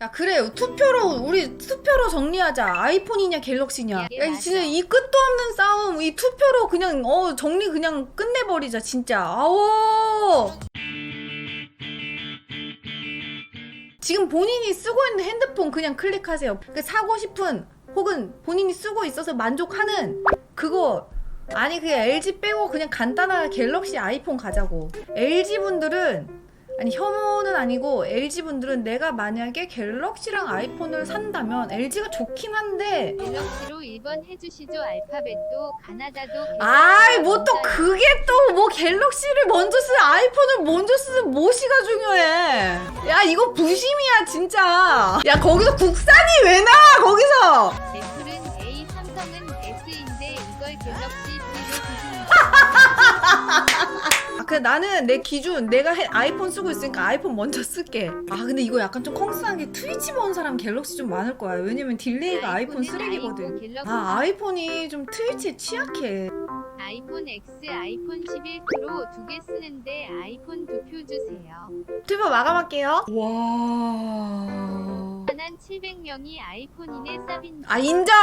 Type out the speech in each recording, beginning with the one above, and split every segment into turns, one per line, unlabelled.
야 그래 우리 투표로 정리하자. 아이폰이냐 갤럭시냐. 야 진짜 이 끝도 없는 싸움. 이 투표로 그냥 정리 그냥 끝내버리자 진짜. 아오. 지금 본인이 쓰고 있는 핸드폰 그냥 클릭하세요. 사고 싶은 혹은 본인이 쓰고 있어서 만족하는 그거. 아니 그냥 LG 빼고 그냥 간단하게 갤럭시 아이폰 가자고. LG분들은 아니 혐오는 아니고 LG분들은 내가 만약에 갤럭시랑 아이폰을 산다면 LG가 좋긴 한데
갤럭시로 1번 해주시죠. 알파벳도 가나다도
아이 뭐 또 그게 또 뭐 갤럭시를 먼저 쓰 아이폰을 먼저 쓰는 뭐시가 중요해. 야 이거 부심이야 진짜. 야 거기서 국산이 왜 나와 거기서.
애플은 A, 삼성은 S인데 이걸 갤럭시 B로 드시는
그래 나는 내 기준 내가 아이폰 쓰고 있으니까 아이폰 먼저 쓸게. 아 근데 이거 약간 좀 컹스한 게 트위치 본 사람 갤럭시 좀 많을 거야. 왜냐면 딜레이가 아이폰 쓰레기거든. 아 아이폰이 좀 트위치에 취약해.
아이폰 X, 아이폰 11 프로 두 개 쓰는데 아이폰 2표 주세요.
투표 마감할게요. 와.
한 700명이 아이폰이네 쌉인데.
아 인정.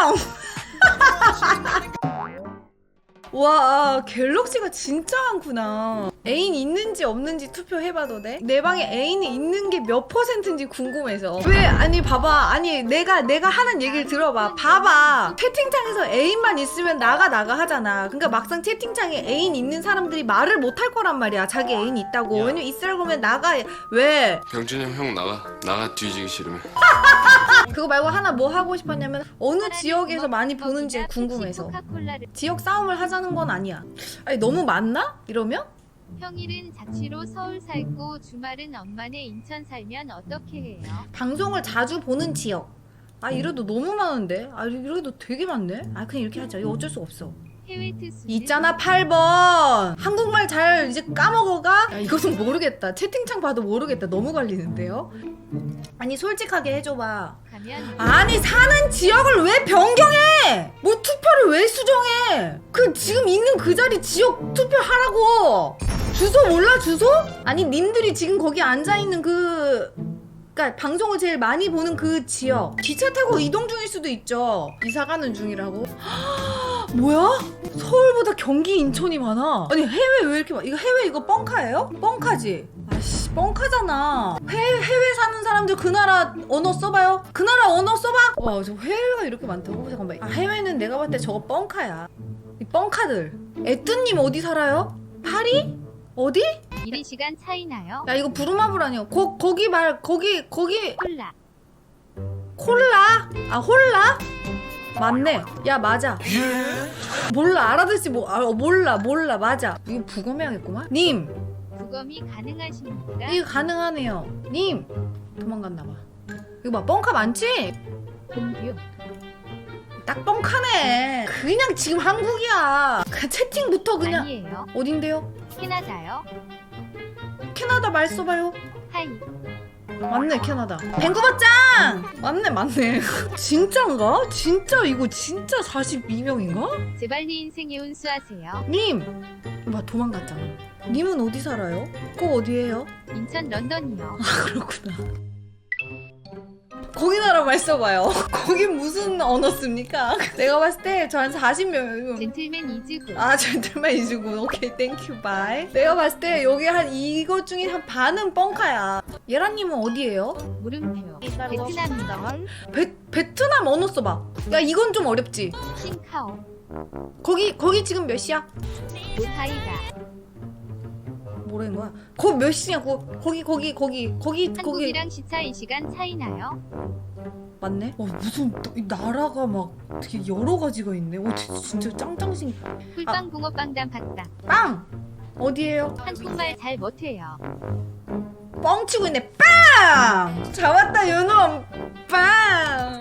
와 갤럭시가 진짜 많구나. 애인 있는지 없는지 투표해봐도 돼? 내 방에 애인이 있는 게 몇 퍼센트인지 궁금해서. 왜 아니 봐봐. 아니 내가 하는 얘기를 들어봐. 봐봐. 채팅창에서 애인만 있으면 나가 하잖아. 그러니까 막상 채팅창에 애인 있는 사람들이 말을 못 할 거란 말이야. 자기 애인 있다고.
야.
왜냐면 있으라고 그러면 나가. 왜?
병준이 형 나가 뒤지기 싫으면.
그거 말고 하나 뭐 하고 싶었냐면 어느 지역에서 많이 보는지 궁금해서. 지역 싸움을 하자는 건 아니야. 아니 너무 많나? 이러면?
평일은 자취로 서울 살고 주말은 엄마네 인천 살면 어떻게 해요?
방송을 자주 보는 지역. 아 이래도 너무 많은데? 아 이래도 되게 많네? 아 그냥 이렇게 하자. 이거 어쩔 수 없어.
해외 특수
있잖아 8번. 한국말 잘 이제 까먹어가? 야 이것은 모르겠다. 채팅창 봐도 모르겠다. 너무 갈리는데요? 아니 솔직하게 해줘봐.
가면
아니 사는 지역을 왜 변경해? 뭐 투표를 왜 수정해? 그 지금 있는 그 자리 지역 투표하라고. 주소 몰라 주소? 아니 님들이 지금 거기 앉아있는 그니까 방송을 제일 많이 보는 그 지역 기차 타고 이동 중일 수도 있죠. 이사 가는 중이라고? 뭐야? 서울보다 경기 인천이 많아. 아니 해외 왜 이렇게 많아? 이거 해외 이거 뻥카예요? 뻥카지? 아씨 뻥카잖아. 해외 사는 사람들 그 나라 언어 써봐요. 그 나라 언어 써봐. 와 저 해외가 이렇게 많다고? 잠깐만. 아 해외는 내가 봤을 때 저거 뻥카야. 이 뻥카들. 애뚜님 어디 살아요? 파리? 어디?
1시간 차이 나요?
야 이거 부루마블 아니야. 거기
콜라
콜라? 아 홀라? 맞네. 야 맞아. 몰라 알아듣지 몰라 맞아. 이거 부검해야겠구만. 님
부검이 가능하십니까?
이거 가능하네요. 님 도망갔나봐. 이거 봐 뻥카 많지?
공뷰
딱 뻥카네. 그냥 지금 한국이야. 그냥 채팅부터 그냥.
아니에요.
어딘데요?
캐나다요?
캐나다 말 써봐요.
하이
맞네 캐나다. 밴쿠버 짱! 맞네. 진짠가? 진짜 이거 진짜 42명인가?
제발 네 인생에 운수하세요.
님! 봐 도망갔잖아. 님은 어디 살아요? 꼭 어디에요?
인천 런던이요.
그렇구나. 거기 나라 말 써봐요. 거기 무슨 언어 씁니까? 내가 봤을 때 저 한 40명.
젠틀맨 이즈구
아 젠틀맨 이즈군. 오케이 땡큐 바이. 내가 봤을 때 여기 한 이것 중에 한 반은 뻥카야. 예라님은 어디에요?
물음표 베트남이요.
베트남 언어 써봐. 야 이건 좀 어렵지.
싱카오
거기 지금 몇 시야?
도타이다
뭐라는 거야? 거기 몇 시냐고? 거기
한국이랑 시차 2시간 차이 나요?
맞네? 무슨 또 이 나라가 막 되게 여러 가지가 있네. 진짜 짱짱신.
꿀빵 붕어빵 봤다.
빵! 어디에요?
한국말 잘 못해요.
뻥치고 있네. 빵! 잡았다 요놈. 빵!